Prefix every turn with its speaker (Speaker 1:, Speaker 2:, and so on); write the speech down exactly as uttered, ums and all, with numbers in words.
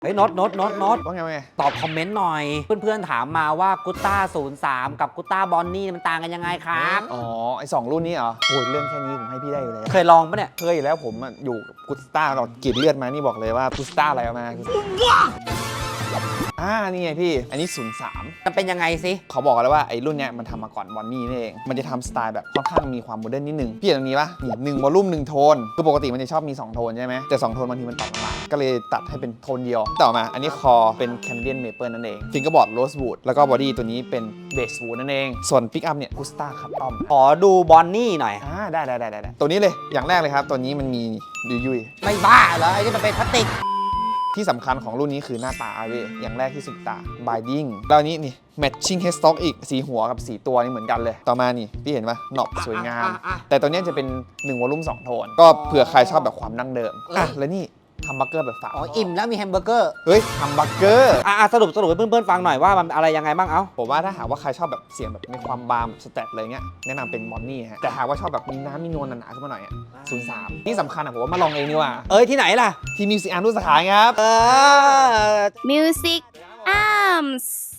Speaker 1: เฮ้ยโน็อตโน็อตโน็อตโน็อต
Speaker 2: ว่าไงว่าไง
Speaker 1: ตอบคอมเมนต์หน่อย เพื่อนๆถามมาว่ากุต้าศูนย์สามกับกุต้าบอนนี่มันต่างกันยังไงครับ
Speaker 2: อ๋อไอสองรุ่นนี้เหรอโอ้ยเรื่องแค่นี้ผมให้พี่ได้อยู่แล้ว
Speaker 1: เคยลองปะเนี่ย
Speaker 2: เคยอยู่แล้วผมอะอยู่กุสตาเรากรีดเลือดมานี่บอกเลยว่ากุสตาอะไรมาอ่านี่ไงพี่อันนี้ศูนย์สาม
Speaker 1: มันเป็นยังไงสิ
Speaker 2: เขาบอกกันแล้วว่าไอ้รุ่นเนี้ยมันทำมาก่อนบอนนี่นี่เองมันจะทำสไตล์แบบค่อนข้างมีความโมเดิร์นนิดนึงพี่เห็นตรงนี้ปะนี่หนึ่งวอลลุ่มหนึ่งโทนคือปกติมันจะชอบมีสองโทนใช่ไหมแต่สองโทนบางทีมันต่ำลงมาก็เลยตัดให้เป็นโทนเดียวต่อมาอันนี้คอเป็นแคนเดียนเมเปิลนั่นเองฟิงเกอร์บอร์ดโรสวูดแล้วก็บอดี้ตัวนี้เป็นเบสวูดนั่นเองส่วนปิกอัพเนี่ยกุสตาคัสตอม
Speaker 1: ขอดูบอนนี่หน่อย
Speaker 2: อ่าได้ได้ได้ได้ตัวนี้เลยอย่างแรกเลยครับตัวนี้มันมียุยยุย
Speaker 1: ไม่บ้าเหรอไอ้นี่มันเป็นพลาสติก
Speaker 2: ที่สำคัญของรุ่นนี้คือหน้าตาเว้ยอย่างแรกที่สุดตา binding แล้วอันนี้นี่ matching headstock อีกสีหัวกับสีตัวนี่เหมือนกันเลย ต่อมานี่พี่เห็นปะหนอบสวยงาม แต่ตัวนี้จะเป็นหนึ่งวอลลุ่มสองโทน ก็เผื่อใครชอบแบบความดั้งเดิม อ่ะ แล้วนี่ฮัมบักเกอร์แบบฝา
Speaker 1: อ๋ออิ่มแล้วมีแฮมเบอร์เกอร์
Speaker 2: เฮ้ยฮัมบักเกอร์
Speaker 1: อ่ะสรุปสรุปให้เพื่อนๆฟังหน่อยว่ามันอะไรยังไงบ้างเอ้า
Speaker 2: ผมว่าถ้าหากว่าใครชอบแบบเสียงแบบมีความบามสเตตเลยเงี้ยแนะนำเป็นมอนนี่ฮะแต่หากว่าชอบแบบมีน้ำมีนวลหนาๆขึ้นมาหน่อยอ่ะศูนย์สามที่สำคัญอ่ะผมว่ามาลองเองดีกว่า
Speaker 1: เอ้ยที่ไหนล่ะ
Speaker 2: ที่มิวสิอาร์มรุ่นสาขาครับ
Speaker 1: เออ
Speaker 3: Music Arms